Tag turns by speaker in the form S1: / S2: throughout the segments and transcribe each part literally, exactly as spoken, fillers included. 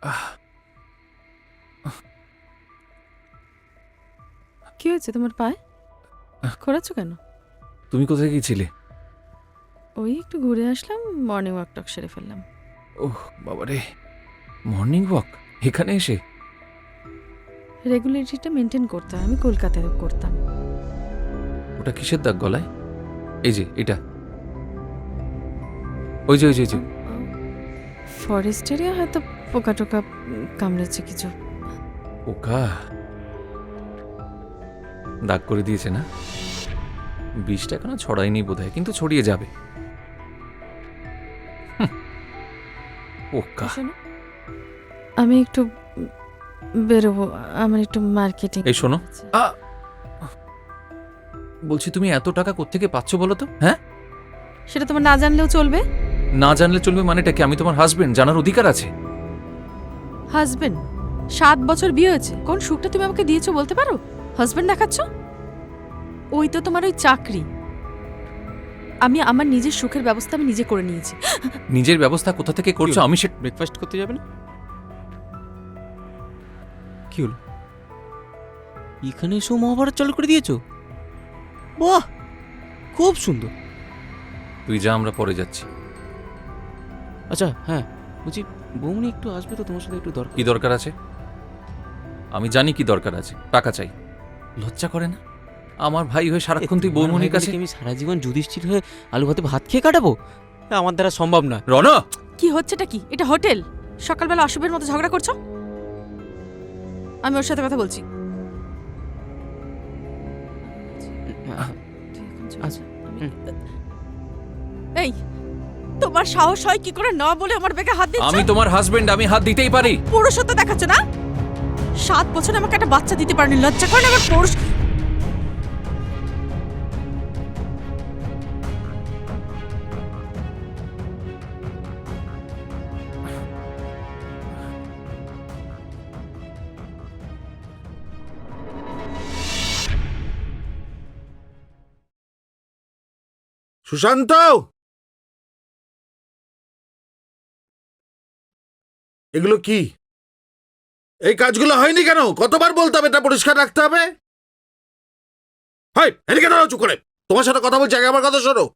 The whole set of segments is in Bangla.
S1: কি হয়েছে তোমার পায়ে? খোঁড়াচ্ছ কেন?
S2: তুমি কোথায় গিয়েছিলে?
S1: ওই একটু ঘুরে আসলাম, মর্নিং ওয়াক টক সেরে ফেললাম।
S2: ওহ বাবারে, মর্নিং ওয়াক এখানে এসে?
S1: রেগুলারিটিটা মেনটেন করতে হয়, আমি কলকাতায় করতাম।
S2: ওটা কিসের দাগ গলায়? এই যে এটা, ওই যে ওই যে ওই যে
S1: ফরেস্ট এরিয়া, হয়তো পোকা টোকা কামড়েছে কিছু।
S2: পোকা দাগ করে দিয়েছে না? বিষটা এখনো ছড়ায়নি বোধহয়, কিন্তু ছড়িয়ে যাবে। হুম, পোকা।
S1: শোনো, আমি একটু বেরোবো, আমার একটু মার্কেটিং।
S2: এই শোনো, আ বলছি তুমি এত টাকা কোত্থেকে পাচ্ছ বলো তো? হ্যাঁ,
S1: সেটা তোমার না জানলেও চলবে।
S2: না জানলে চলবে মানেটা কি? আমি তোমার হাজবেন্ড, জানার অধিকার আছে।
S1: হাজবেন্ড? সাত বছর বিয়ে হয়েছে, কোন সুখটা তুমি আমাকে দিয়েছো বলতে পারো? হাজবেন্ড দেখাচ্ছ? ওই তো তোমার ওই চাকরি। আমি আমার নিজের সুখের ব্যবস্থা আমি নিজে করে নিয়েছি।
S2: নিজের ব্যবস্থা কোথা থেকে করছো? আমি সে
S3: ব্রেকফাস্ট করতে যাবে না? কি হলো, এখানে এসেও মহাভারত চালু করে দিয়েছো? বাহ, খুব সুন্দর।
S2: তুই যা, আমরা পরে যাচ্ছি।
S3: আচ্ছা হ্যাঁ, বলছি বৌমনি একটু আসবে তো, তোমার সাথে একটু দরকার।
S2: কি দরকার আছে? আমি জানি কি দরকার আছে। টাকা চাই। লজ্জা করে না? আমার ভাই হয়ে সারাক্ষণ তুই বৌমনির কাছে।
S3: আমি সারা জীবন যুধিষ্ঠির হয়ে আলু ভাতে ভাত খেয়ে কাটাবো? আমার দ্বারা সম্ভব না।
S2: রণ,
S1: কি হচ্ছেটা কি? এটা হোটেল? সকালবেলা অশুভের মতো ঝগড়া করছো? আমি ওর সাথে কথা বলছি।
S3: আচ্ছা, হুম।
S1: এই, তোমার সাহস হয় কি করে না বলে আমার বেগে হাত দিচ্ছ?
S2: আমি তোমার হাজবেন্ড, আমি হাত দিতেই পারি।
S1: পুরুষত্ব দেখাচ্ছ না? সাত বছর আমাকে একটা বাচ্চা দিতে পারেনি, লজ্জা করে না আমার? পুরুষ
S4: সুশান্ত, এগুলো কি? এই কাজগুলো হয়নি কেন? কতবার বলতে হবে এটা পরিষ্কার রাখতে হবে? হাই, এদিকে দাঁড়াও চুপ করে। তোমার সাথে কথা বলছি, আগে আমার কথা শোনো।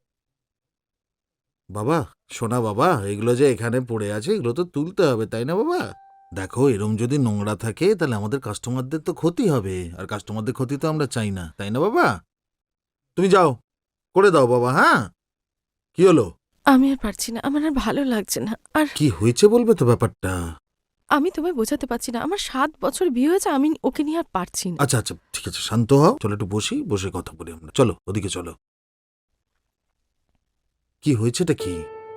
S4: বাবা, শোনা বাবা, এগুলো যে এখানে পড়ে আছে এগুলো তো তুলতে হবে, তাই না বাবা? দেখো, এরম যদি নোংরা থাকে তাহলে আমাদের কাস্টমারদের তো ক্ষতি হবে, আর কাস্টমারদের ক্ষতি তো আমরা চাই না, তাই না বাবা? তুমি যাও, করে দাও বাবা। হ্যাঁ, কি হলো?
S1: আমি আর পারছি না, আমার আর ভালো লাগছে না। আর
S4: কি হয়েছে বলবে তো ব্যাপারটা?
S1: আমি তোমায় বোঝাতে পারছি না, আমার সাত বছর বিয়ে হয়েছে, আমি ওকে নিয়ে আর পারছি না।
S4: আচ্ছা আচ্ছা, ঠিক আছে, শান্ত হও। চলো একটু বসি, বসে কথা বলি আমরা। চলো ওদিকে চলো। কি হয়েছেটা কি?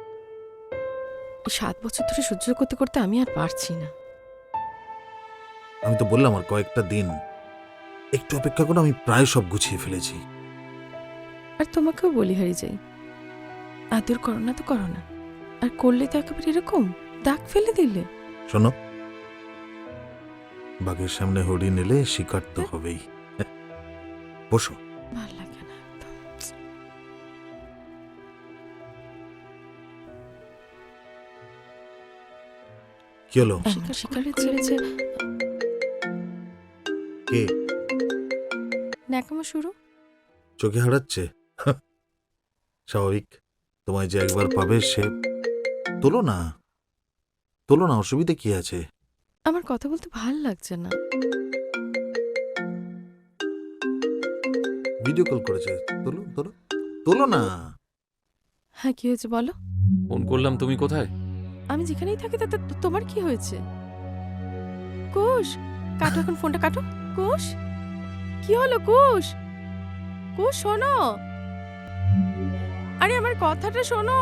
S1: সাত বছর ধরে সহ্য করতে করতে আমি আর পারছি না।
S4: আমি তো বললাম আর কয়েকটা দিন একটু অপেক্ষা করো, আমি প্রায় সব গুছিয়ে ফেলেছি।
S1: আর তোমাকেও বলি হারি যাই, আদর করো না তো করো না, আর করলে তো একেবারে এরকম দাগ ফেলে দিলে।
S4: শোনো, বাঘের সামনে হরিণ এলে শিকার তো হবেই। বসো।
S1: ভাল লাগে না একদম।
S4: কি হলো?
S1: শিকার শিকারে ছেড়েছে,
S4: কে?
S1: ন্যাকামো শুরু।
S4: চোখে হারাচ্ছে? স্বাভাবিক, তোমায় যে একবার পাবে সে। তোলো না, তোলো না, অসুবিধা কি আছে?
S1: আমার কথা বলতে ভাল লাগছে না।
S4: ভিডিও কল করেছে, তোলো তোলো, তোলো না।
S1: হ্যাঁ, কি হয়েছে বলো?
S2: ফোন করলাম, তুমি কোথায়?
S1: আমি যেখানেই থাকি তাতে তো- তোমার কি হয়েছে? কুশ, কাটো এখন ফোনটা, কাটো। কুশ, কি হলো কুশ? কুশ শোনো, আরে আমার কথাটা শোনো।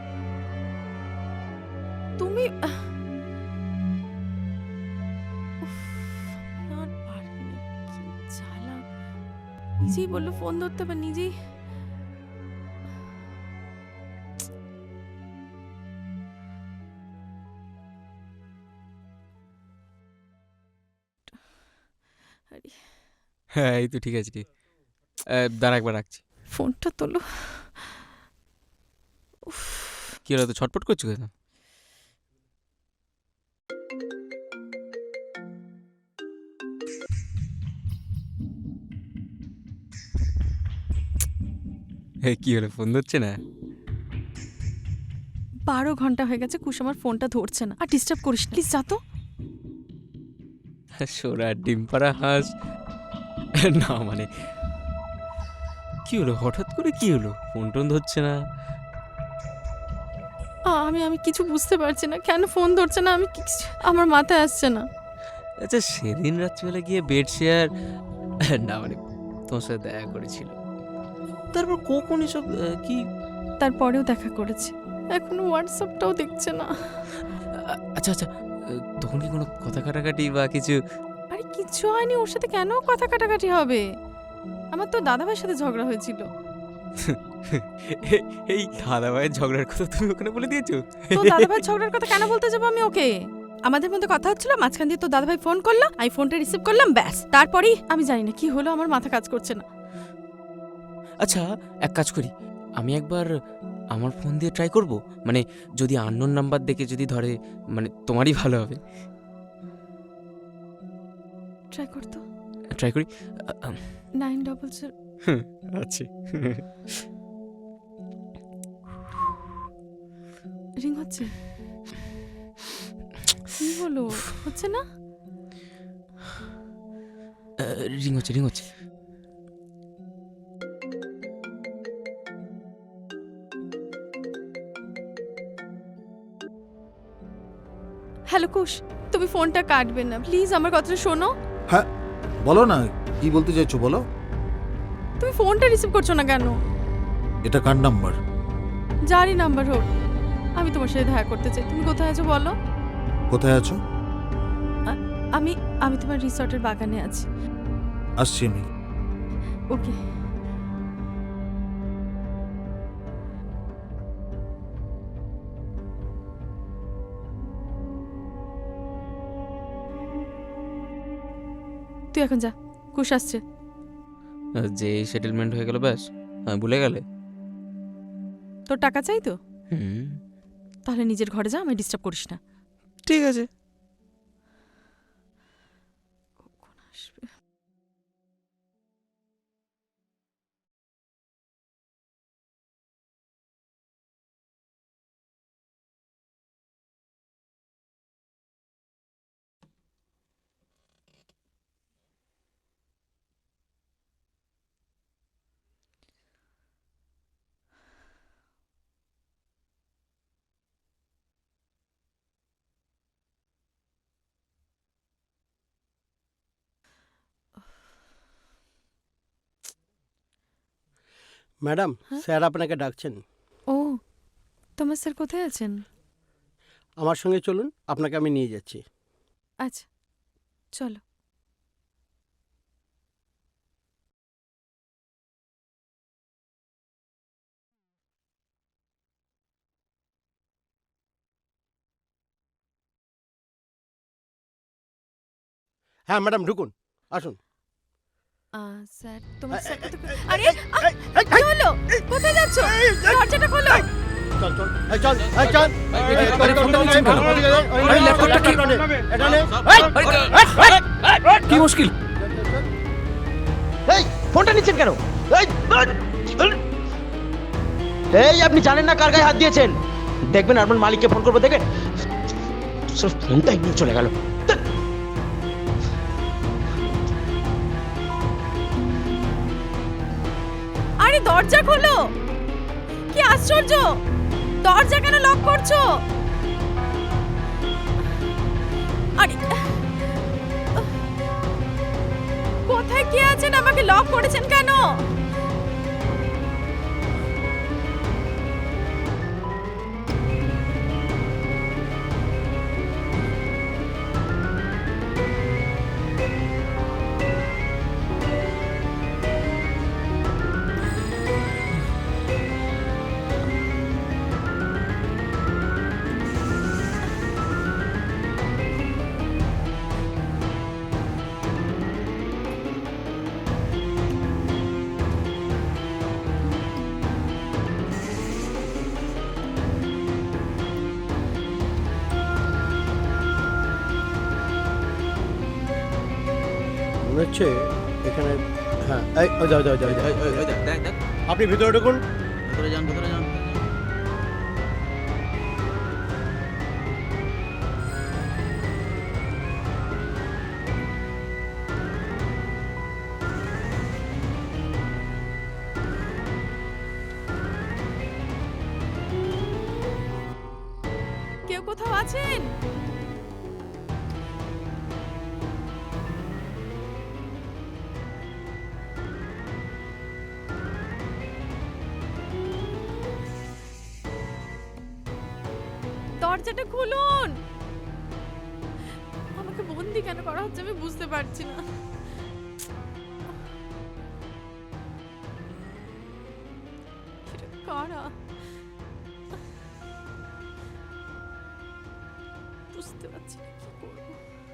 S1: তুমি আহ, উফ, আর পারি না, কি জ্বালা। নিজেই বললো ফোন ধরতে, বা নিজেই। আরে,
S3: হ্যাঁ এই তো ঠিক আছে, ঠিক। আহ, দাঁড়া একবার রাখছি।
S1: ফোনটা তোলো। উফ,
S3: কি হলো, তো ছটপট করছো কেন? কি হলো, ফোন ধরছে না?
S1: বারো ঘন্টা হয়ে গেছে কুশ আমার ফোনটা ধরছে না। আর ডিস্টার্ব করিস না প্লিজ, যা তো।
S3: সোরা ডিম পাড়া হাঁস না মানে কি হলো, হঠাৎ করে কি হলো, ফোন টোন ধরছে না?
S1: আ, আমি আমি কিছু বুঝতে পারছি না কেন ফোন ধরছে না। আমি কিছু- আমার মাথায় আসছে না।
S3: আচ্ছা, সেদিন রাত্রিবেলা গিয়ে বেড শেয়ার না মানে তোমার সাথে দেখা করেছিল, তারপর কখন এসব আহ, কি?
S1: তারপরেও দেখা করেছি, এখনো হোয়াটসঅ্যাপটাও দেখছে না।
S3: আ- আচ্ছা আচ্ছা, আহ, তখন কি কোনো কথা কাটাকাটি বা কিছু?
S1: আরে কিচ্ছু হয়নি, ওর সাথে কেন কথা কাটাকাটি হবে? আমার তো দাদাভাইয়ের সাথে ঝগড়া হয়েছিল।
S3: এ- এই দাদা ভাইয়ের ঝগড়ার কথা তুমি ওখানে বলে দিয়েছো?
S1: তো দাদাভাইয়ের ঝগড়ার কথা কেন বলতে যাবো আমি ওকে? আমাদের মধ্যে কথা হচ্ছিল, মাঝখান দিয়ে তো দাদাভাই ফোন করলো, আমি ফোনটা রিসিভ করলাম, ব্যাস। তারপরেই আমি জানি না কি হলো, আমার মাথা কাজ করছে না।
S3: আচ্ছা, এক কাজ করি, আমি একবার আমার ফোন দিয়ে ট্রাই করব, মানে যদি আননোন নাম্বার দেখে যদি ধরে, মানে তোমারই ভালো হবে।
S1: ট্রাই করতো।
S3: ট্রাই করি।
S1: Nine double zero.
S3: আছে।
S1: রিং হচ্ছে। কি হলো, হচ্ছে না?
S3: রিং হচ্ছে, রিং হচ্ছে।
S1: হ্যালো কুশ, তুমি ফোনটা কাটবে না প্লিজ, আমার কথাটা শোনো।
S4: হ্যাঁ বলো না, কি বলতে চাইছো বলো।
S1: তুমি ফোনটা রিসিভ করছো না কেন?
S4: এটা কার নাম্বার?
S1: যারই নাম্বার হোক, আমি তোমার সাথে দেখা করতে চাই। তুমি কোথায় আছো বলো?
S4: কোথায় আছো?
S1: আমি আমি তোমার রিসর্টের বাগানে আছি।
S4: আসছি আমি।
S1: ওকে। তুই এখন যা, কুশ আসছে।
S3: যে সেটেলমেন্ট হয়ে গেল ব্যাস, হ্যাঁ ভুলে গেলে?
S1: তোর টাকা চাই তো?
S3: হুম,
S1: তাহলে নিজের ঘরে যা, আমায় ডিস্টার্ব করিস না।
S3: ঠিক আছে।
S1: কখন আসবে?
S5: ম্যাডাম,
S1: হ্যাঁ?
S5: স্যার আপনাকে ডাকছেন।
S1: ও, তোমার স্যার কোথায় আছেন?
S5: আমার সঙ্গে চলুন, আপনাকে আমি নিয়ে যাচ্ছি।
S1: আচ্ছা চলো।
S5: হ্যাঁ ম্যাডাম, ঢুকুন, আসুন।
S1: আহ, স্যার তোমার
S5: এই,
S1: স্যার
S5: এই,
S1: কোথায়?
S5: এই,
S1: আরে
S5: এই,
S1: আহ,
S5: এই, এই,
S1: কি হলো? কোথায় যাচ্ছ? দরজাটা খোলো।
S5: চল চল, এই চল, এই চল।
S2: আরে,
S5: এই,
S2: আরে,
S5: চল,
S2: ফোনটা
S5: চল,
S2: নিচ্ছেন
S5: এই,
S2: কেন?
S5: ওই, ওই, ওই,
S2: আরে,
S5: ওই,
S2: ল্যাপটপটা কি?
S5: এটা নে, এটা নে।
S2: কি মুশকিল?
S6: এই ফোনটা নিচ্ছেন কেন? এই এই আপনি জানেন না কার গায়ে হাত দিয়েছেন? দেখবেন আপনার মালিককে ফোন করবো, দেখেন সব ফোনটাই নিয়ে চলে গেল।
S1: আরে দরজা খোলো, কি আশ্চর্য, দরজা কেন লক করছো? আরে কোথায় কে আছেন? আমাকে লক করেছেন কেন?
S5: মনে হচ্ছে এখানে, হ্যাঁ, এই, ওই, যাও, যাও, যাও, যাও।
S3: দেখ দেখ
S5: আপনি ভিতরে ঢুকুন।
S6: ভেতরে যান ভেতরে যান
S1: কেউ কোথাও আছেন? দরজাটা খুলুন। আমাকে বন্দি কেন করা হচ্ছে আমি বুঝতে পারছি না। এটা কারা? বুঝতে পারছি না কি করবো।